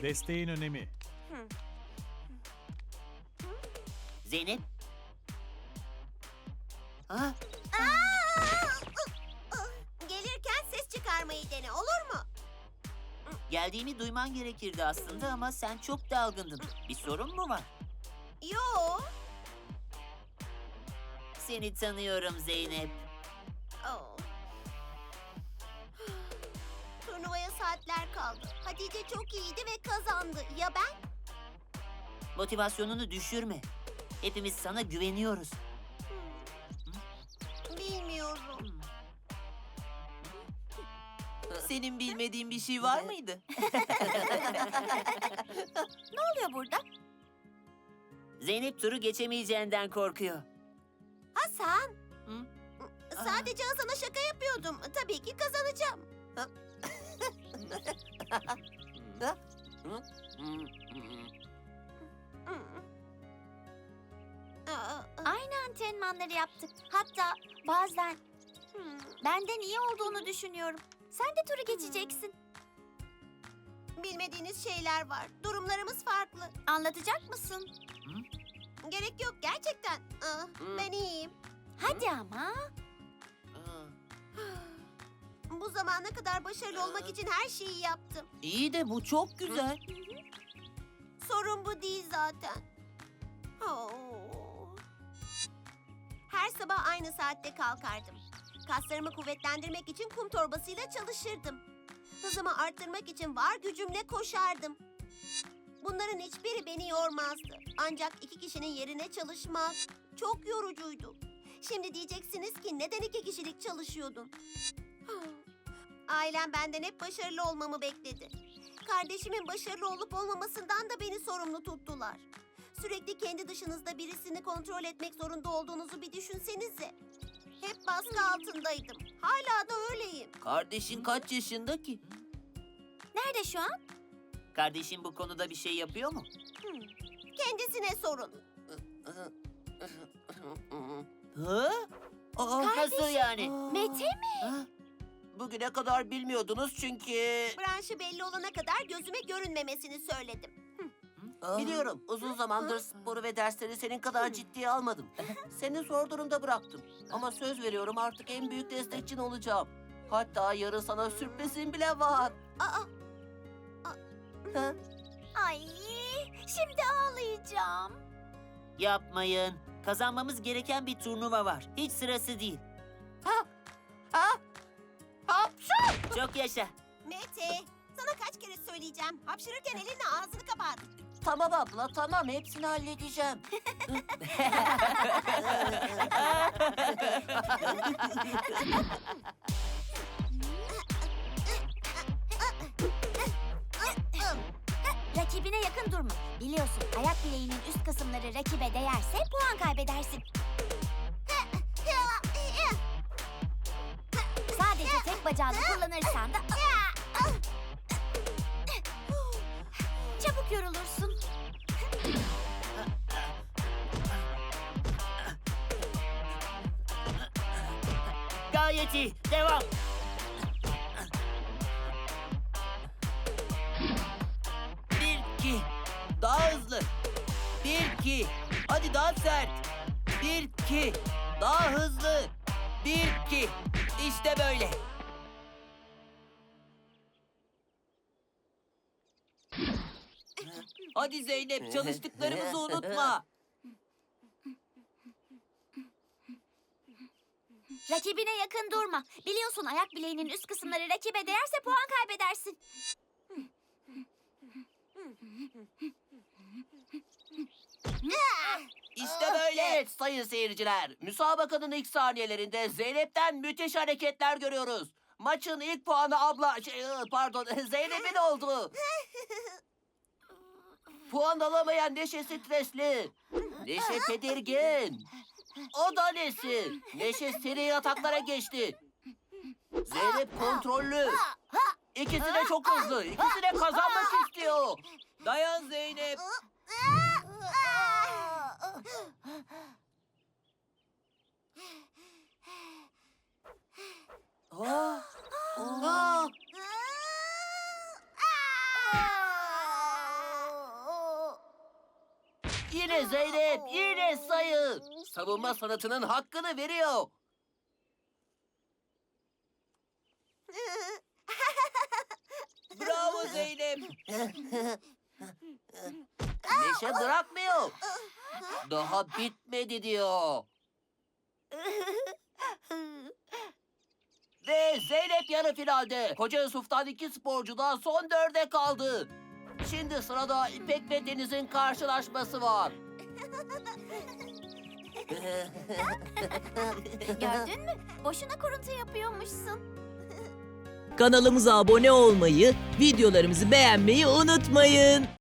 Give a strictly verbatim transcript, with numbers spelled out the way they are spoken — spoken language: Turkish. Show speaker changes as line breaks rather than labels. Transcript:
Desteğin önemi.
Zeynep. Ha?
Gelirken ses çıkarmayı dene, olur mu?
Geldiğimi duyman gerekirdi aslında ama sen çok dalgındın. Bir sorun mu var?
Yo.
Seni tanıyorum Zeynep.
Oh. Turnuvaya saatler kaldı. Hatice çok iyiydi ve kazandı. Ya ben?
Motivasyonunu düşürme. Hepimiz sana güveniyoruz.
Bilmiyorum.
Senin bilmediğin bir şey var mıydı?
Ne oluyor burada?
Zeynep turu geçemeyeceğinden korkuyor.
Hasan.
Hı?
Sadece Hasan'a şaka yapıyordum. Tabii ki kazanacağım.
Aynı antrenmanları yaptık. Hatta bazen
Hmm.
benden iyi olduğunu düşünüyorum. Sen de turu geçeceksin.
Bilmediğiniz şeyler var. Durumlarımız farklı.
Anlatacak mısın?
Gerek yok gerçekten. Ah, ben iyiyim.
Hadi ama.
Bu zamana kadar başarılı olmak için her şeyi yaptım.
İyi de bu çok güzel.
Sorun bu değil zaten. Oh. Her sabah aynı saatte kalkardım. Kaslarımı kuvvetlendirmek için kum torbasıyla çalışırdım. Hızımı arttırmak için var gücümle koşardım. Bunların hiçbiri beni yormazdı. Ancak iki kişinin yerine çalışmak çok yorucuydu. Şimdi diyeceksiniz ki neden iki kişilik çalışıyordun? Ailem benden hep başarılı olmamı bekledi. Kardeşimin başarılı olup olmamasından da beni sorumlu tuttular. Sürekli kendi dışınızda birisini kontrol etmek zorunda olduğunuzu bir düşünsenize. Hep baskı altındaydım. Hala da öyleyim.
Kardeşin kaç yaşında ki?
Nerede şu an?
Kardeşin bu konuda bir şey yapıyor mu?
Hmm. Kendisine sorun.
Hı? Aa, nasıl yani?
Mete mi?
Ha? Bugüne kadar bilmiyordunuz çünkü...
Branşı belli olana kadar gözüme görünmemesini söyledim.
Biliyorum. Uzun zamandır sporu ve dersleri senin kadar ciddiye almadım. Seni zor durumda bıraktım. Ama söz veriyorum artık en büyük destekçin olacağım. Hatta yarın sana sürprizim bile var.
Aa,
Ha?
Ay, şimdi ağlayacağım.
Yapmayın. Kazanmamız gereken bir turnuva var. Hiç sırası değil.
Ha? Hapşu!
Çok yaşa.
Mete, sana kaç kere söyleyeceğim. Hapşırırken elinle ağzını kapat.
Tamam abla tamam hepsini halledeceğim.
Rakibine yakın durma. Biliyorsun ayak bileğinin üst kısımları rakibe değerse puan kaybedersin. Sadece tek bacağını kullanırsan da... Çabuk yorulursun.
Gayet iyi. Devam. Bir, iki. Daha hızlı. Bir, iki. Hadi daha sert. Bir, iki. Daha hızlı. Bir, iki. İşte böyle. Hadi Zeynep, çalıştıklarımızı unutma.
Rakibine yakın durma. Biliyorsun ayak bileğinin üst kısımları rakibe değerse puan kaybedersin.
İşte böyle.
Evet sayın seyirciler. Müsabakanın ilk saniyelerinde Zeynep'ten müthiş hareketler görüyoruz. Maçın ilk puanı abla... Şey, pardon Zeynep'in oldu. Puan alamayan Neşe stresli. Neşe tedirgin. O da nesi? Neşe seri ataklara geçti. Zeynep kontrollü. İkisi de çok hızlı. İkisi de kazanmak istiyor.
Dayan Zeynep.
Aa, aa. Yine Zeynep, yine sayı. Savunma sanatının hakkını veriyor.
Bravo Zeynep.
Neşe bırakmıyor. Daha bitmedi diyor. Ve Zeynep yarı finalde. Koca Yusuf'tan iki sporcu da son dörde kaldı. Şimdi sırada İpek ve Deniz'in karşılaşması var.
Gördün mü? Boşuna kuruntu yapıyormuşsun.
Kanalımıza abone olmayı, videolarımızı beğenmeyi unutmayın.